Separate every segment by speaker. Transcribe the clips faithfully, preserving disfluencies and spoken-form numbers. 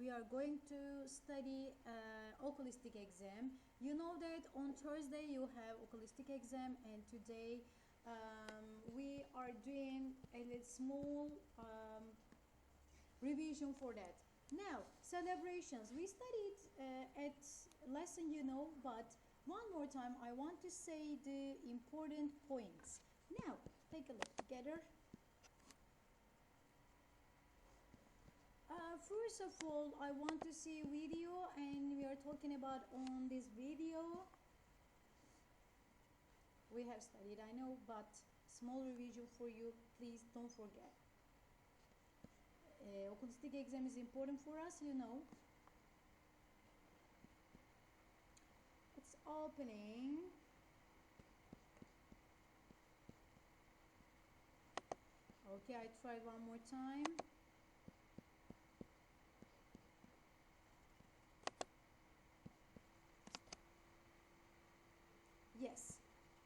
Speaker 1: we are going to study uh, oculistic exam. You know that on Thursday you have oculistic exam, and today um, we are doing a little small um, revision for that. Now, celebrations. We studied uh, at lesson, you know, but one more time I want to say the important points. Now, take a look together. Uh, first of all, I want to see video, and we are talking about on this video. We have studied, I know, but small revision for you. Please don't forget. Uh, oculistic exam is important for us, you know. It's opening. Okay, I tried one more time. Yes.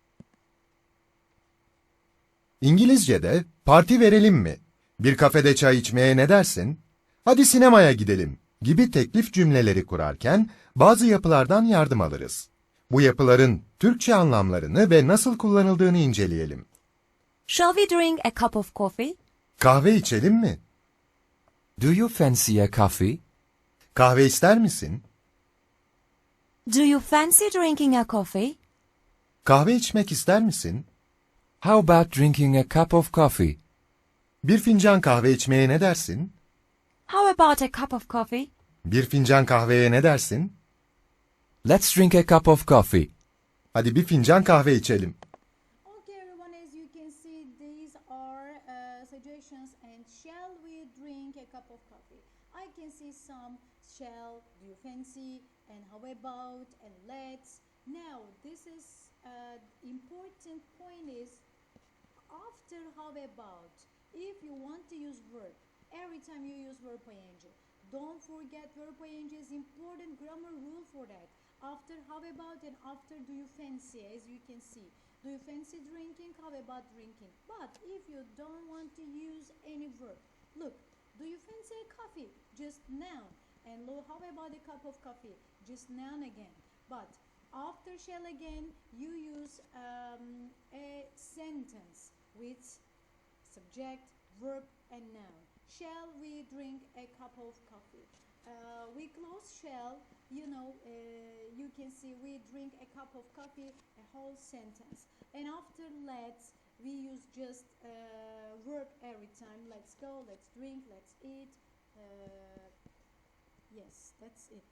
Speaker 2: İngilizce'de parti verelim mi? Bir kafede çay içmeye ne dersin? Hadi sinemaya gidelim gibi teklif cümleleri kurarken bazı yapılardan yardım alırız. Bu yapıların Türkçe anlamlarını ve nasıl kullanıldığını inceleyelim.
Speaker 3: Shall we drink a cup of coffee?
Speaker 2: Kahve içelim mi?
Speaker 4: Do you fancy a coffee?
Speaker 2: Kahve ister misin?
Speaker 3: Do you fancy drinking a coffee?
Speaker 2: Kahve içmek ister misin?
Speaker 4: How about drinking a cup of coffee?
Speaker 2: Bir fincan kahve içmeye ne dersin?
Speaker 3: How about a cup of coffee?
Speaker 2: Bir fincan kahveye ne dersin?
Speaker 4: Let's drink a cup of coffee.
Speaker 2: Hadi bir fincan kahve içelim.
Speaker 1: Okay, everyone, as you can see, these are uh, suggestions. And shall we drink a cup of coffee? I can see some shall, do you fancy, and how about, and let's. Now, this is uh, important point is after how about. If you want to use verb, every time you use verb ing, don't forget verb ing is important grammar rule for that. After how about and after do you fancy, as you can see. Do you fancy drinking? How about drinking? But if you don't want to use any verb, look, do you fancy a coffee? Just noun. And look, how about a cup of coffee? Just noun again. But after shall again, you use um, a sentence with subject, verb, and noun. Shall we drink a cup of coffee? Uh, we close shall, you know, uh, you can see we drink a cup of coffee, a whole sentence. And after let's, we use just uh, verb every time. Let's go, let's drink, let's eat. Uh, yes, that's it.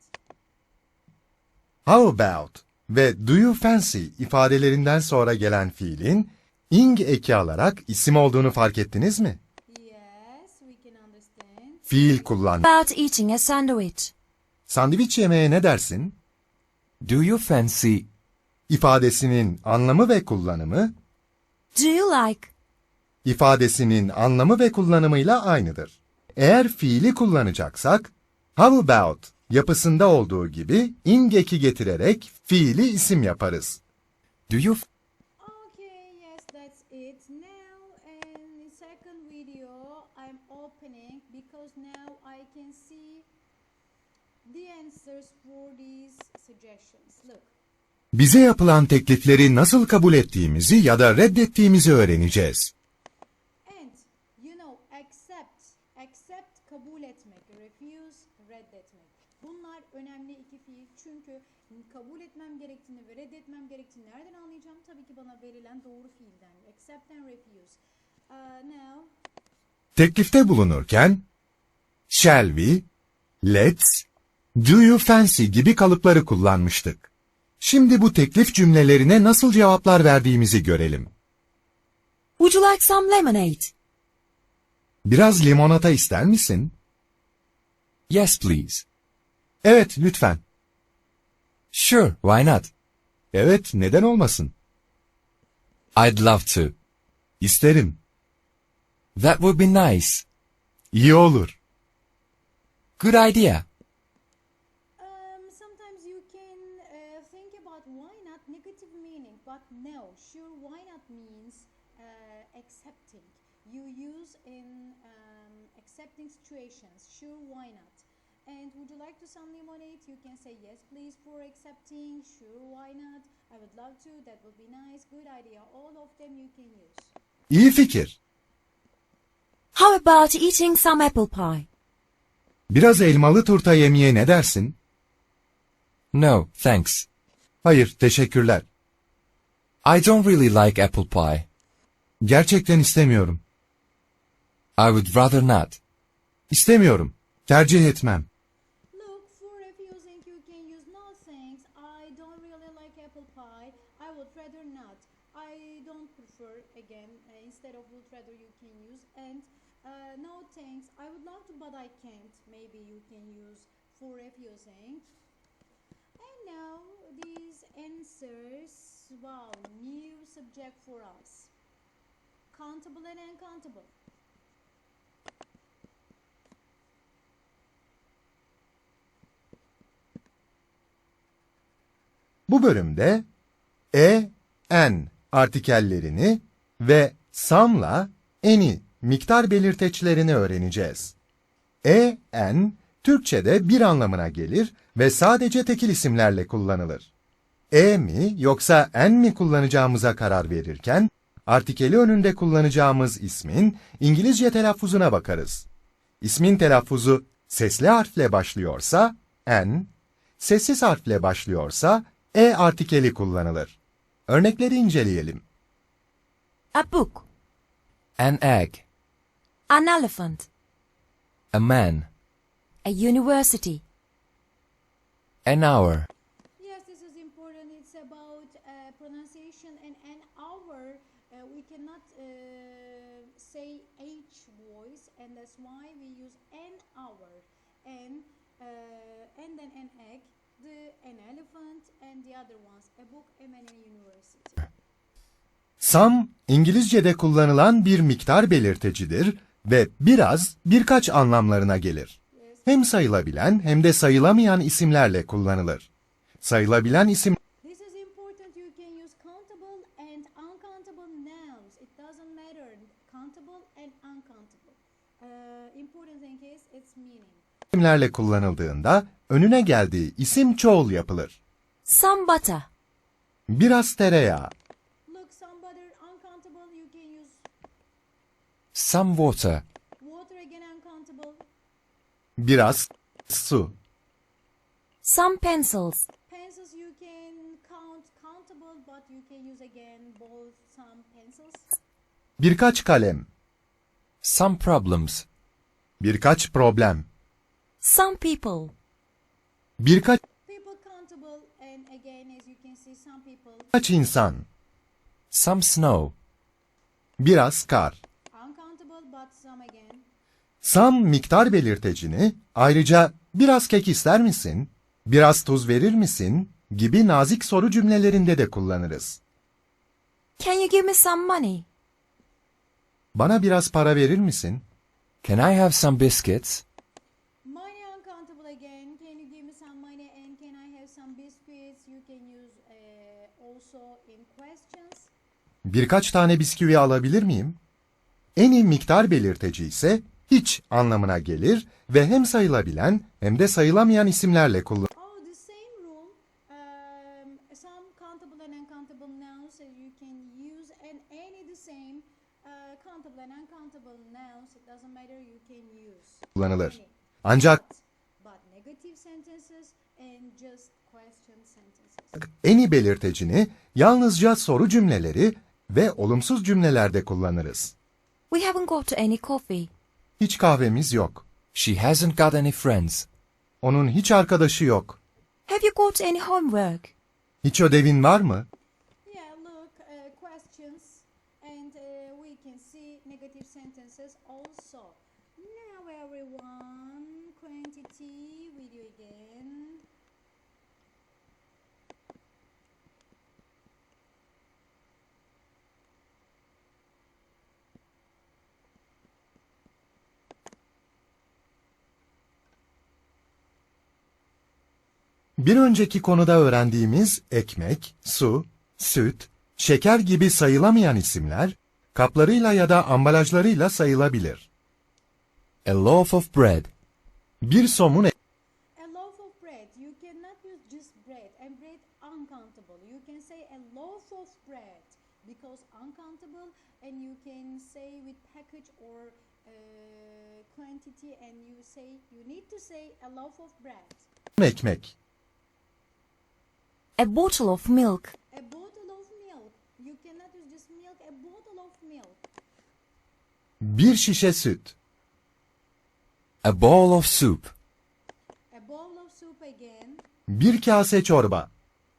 Speaker 2: How about ve do you fancy ifadelerinden sonra gelen fiilin ing eki alarak isim olduğunu fark ettiniz mi?
Speaker 1: Yes, we can understand.
Speaker 2: Fiil kullan.
Speaker 3: About eating a sandwich.
Speaker 2: Sandviç yemeye ne dersin?
Speaker 4: Do you fancy?
Speaker 2: İfadesinin anlamı ve kullanımı,
Speaker 3: Do you like?
Speaker 2: ifadesinin anlamı ve kullanımıyla aynıdır. Eğer fiili kullanacaksak, how about yapısında olduğu gibi ing eki getirerek fiili isim yaparız.
Speaker 4: Do you f-
Speaker 1: Okay, yes, that's it. Now, in second video, I'm opening because now I can see the answers for these suggestions. Look.
Speaker 2: Bize yapılan teklifleri nasıl kabul ettiğimizi ya da reddettiğimizi öğreneceğiz.
Speaker 1: And, you know, accept. Accept, kabul etmek. Refuse, reddetmek. Bunlar önemli iki fiil. Çünkü kabul etmem gerektiğini ve reddetmem gerektiğini nereden anlayacağım? Tabii ki bana verilen doğru fiilden. Accept and refuse. Uh, now,
Speaker 2: Teklifte bulunurken, shall we, let's, do you fancy gibi kalıpları kullanmıştık. Şimdi bu teklif cümlelerine nasıl cevaplar verdiğimizi görelim.
Speaker 3: Would you like some lemonade?
Speaker 2: Biraz limonata ister misin?
Speaker 4: Yes, please.
Speaker 2: Evet, lütfen.
Speaker 4: Sure, why not?
Speaker 2: Evet, neden olmasın?
Speaker 4: I'd love to.
Speaker 2: İsterim.
Speaker 4: That would be nice.
Speaker 2: İyi olur.
Speaker 4: Good idea.
Speaker 1: um, sometimes you can uh, think about why not negative meaning, but no, sure, why not means uh, accepting. You use in um, accepting situations, sure, why not. And would you like to some lemonade? You can say yes please for accepting. Sure, why not? I would love to. That would be nice. Good idea. All of them you can use.
Speaker 2: İyi fikir.
Speaker 3: How about eating some apple pie?
Speaker 2: Biraz elmalı turta yemeye ne dersin?
Speaker 4: No, thanks.
Speaker 2: Hayır, teşekkürler.
Speaker 4: I don't really like apple pie.
Speaker 2: Gerçekten istemiyorum.
Speaker 4: I would rather not.
Speaker 2: İstemiyorum. Tercih etmem.
Speaker 1: Look, for refusing you can use no thanks. I don't really like apple pie. I would rather not. I don't prefer again. Uh, instead of would rather you can use. And uh, no thanks. I would love to but I can't. Maybe you can use for refusing. And now these answers. Wow, new subject for us. Countable and uncountable.
Speaker 2: Bu bölümde e, en artikellerini ve some'la any miktar belirteçlerini öğreneceğiz. E, en Türkçe'de bir anlamına gelir ve sadece tekil isimlerle kullanılır. E mi yoksa en mi kullanacağımıza karar verirken, artikeli önünde kullanacağımız ismin İngilizce telaffuzuna bakarız. İsmin telaffuzu sesli harfle başlıyorsa en, sessiz harfle başlıyorsa e artikeli kullanılır. Örnekleri inceleyelim.
Speaker 3: A book.
Speaker 4: An egg.
Speaker 3: An elephant.
Speaker 4: A man.
Speaker 3: A university.
Speaker 4: An hour.
Speaker 1: Yes, this is important. It's about uh, pronunciation and an hour. Uh, we cannot uh, say H voice, and that's why we use an hour. And uh, and then an egg, the an elephant, and the other ones a book and an university.
Speaker 2: Some, İngilizce'de kullanılan bir miktar belirtecidir ve biraz, birkaç anlamlarına gelir. Hem sayılabilen hem de sayılamayan isimlerle kullanılır. Sayılabilen isim
Speaker 1: This is important. You can use countable and uncountable nouns. It doesn't matter. Countable and uncountable. Uh, important thing is its meaning.
Speaker 2: isimlerle kullanıldığında önüne geldiği isim çoğul yapılır.
Speaker 3: Some butter.
Speaker 2: Biraz tereyağı,
Speaker 1: Look, some butter uncountable. You can use
Speaker 4: Some water.
Speaker 1: water again uncountable.
Speaker 2: biraz su,
Speaker 3: Some pencils.
Speaker 1: Pencils you can count countable, but you can use again both some pencils.
Speaker 2: birkaç kalem,
Speaker 4: Some problems.
Speaker 2: birkaç problem,
Speaker 3: Some people.
Speaker 2: birkaç
Speaker 1: People countable, and again as you can see some people
Speaker 2: insan,
Speaker 4: Some snow.
Speaker 2: biraz kar.
Speaker 1: uncountable, but some again.
Speaker 2: Some miktar belirtecini ayrıca biraz kek ister misin, biraz tuz verir misin gibi nazik soru cümlelerinde de kullanırız.
Speaker 3: Can you give me some money?
Speaker 2: Bana biraz para verir misin?
Speaker 4: Can I have some biscuits?
Speaker 1: Money uncountable again. Can you give me some money, and can I have some biscuits? You can use uh, also in questions.
Speaker 2: Birkaç tane bisküvi alabilir miyim? En iyi miktar belirteci ise hiç anlamına gelir ve hem sayılabilen hem de sayılamayan isimlerle kullanılır.
Speaker 1: Oh, the same rule. Um, some countable and uncountable nouns that you can use, and any the same uh, countable and uncountable nouns. It doesn't matter. You can use
Speaker 2: kullanılır.
Speaker 1: any.
Speaker 2: Ancak
Speaker 1: But negative sentences and just question sentences.
Speaker 2: en iyi belirtecini yalnızca soru cümleleri ve olumsuz cümlelerde kullanırız.
Speaker 3: We haven't got any coffee.
Speaker 2: Hiç kahvemiz yok.
Speaker 4: She hasn't got any friends.
Speaker 2: Onun hiç arkadaşı yok.
Speaker 3: Have you got any homework?
Speaker 2: Hiç ödevin var mı?
Speaker 1: Yeah, look, uh, questions, and uh, we can see negative sentences also. Now everyone, quantity video again.
Speaker 2: Bir önceki konuda öğrendiğimiz ekmek, su, süt, şeker gibi sayılamayan isimler, kaplarıyla ya da ambalajlarıyla sayılabilir.
Speaker 4: A loaf of bread.
Speaker 2: Bir somun
Speaker 1: package or uh, quantity, and you say you need to say a loaf of bread,
Speaker 2: ekmek,
Speaker 3: A bottle of milk.
Speaker 1: a bottle of milk. You cannot use just milk, a bottle of milk,
Speaker 2: bir şişe süt,
Speaker 4: A bowl of soup.
Speaker 1: a bowl of soup again,
Speaker 2: bir kase çorba,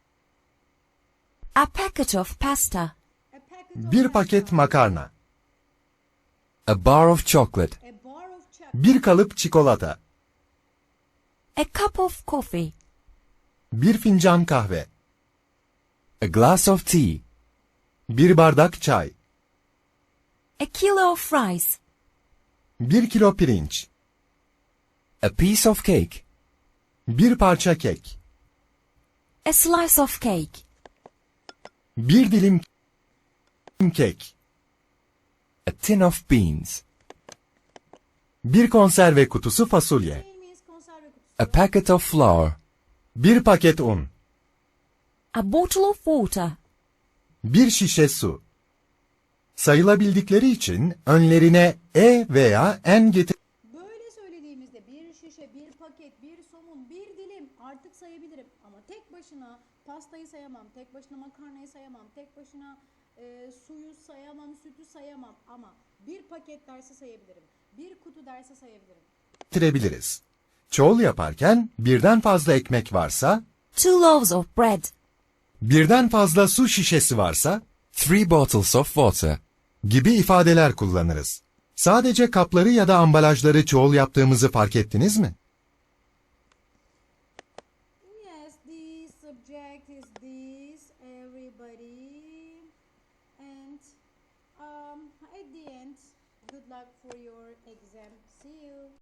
Speaker 3: A packet of pasta.
Speaker 1: a packet of
Speaker 2: bir paket
Speaker 1: pasta,
Speaker 2: makarna,
Speaker 4: A bar of chocolate.
Speaker 1: a bar of chocolate,
Speaker 2: bir kalıp çikolata,
Speaker 3: A cup of coffee.
Speaker 2: bir fincan kahve,
Speaker 4: A glass of tea.
Speaker 2: bir bardak çay,
Speaker 3: A kilo of rice.
Speaker 2: bir kilo pirinç,
Speaker 4: A piece of cake.
Speaker 2: bir parça kek,
Speaker 3: A slice of cake.
Speaker 2: bir dilim kek,
Speaker 4: A tin of beans.
Speaker 2: bir konserve kutusu fasulye,
Speaker 1: Name is konserve kutusu,
Speaker 4: A packet of flour.
Speaker 2: bir paket un,
Speaker 3: A bottle of water.
Speaker 2: bir şişe su. Sayılabildikleri için önlerine e veya n getir.
Speaker 1: böyle söylediğimizde bir şişe, bir paket, bir somun, bir dilim artık sayabilirim. Ama tek başına pastayı sayamam, tek başına makarnayı sayamam, tek başına e, suyu sayamam, sütü sayamam. Ama bir paket dersi sayabilirim, bir kutu dersi sayabilirim.
Speaker 2: getirebiliriz. Çoğul yaparken birden fazla ekmek varsa,
Speaker 3: Two loaves of bread.
Speaker 2: birden fazla su şişesi varsa
Speaker 4: Three bottles of water.
Speaker 2: gibi ifadeler kullanırız. Sadece kapları ya da ambalajları çoğul yaptığımızı fark ettiniz mi?
Speaker 1: Yes, the subject is this, everybody. And um, at the end, good luck for your exam. See you.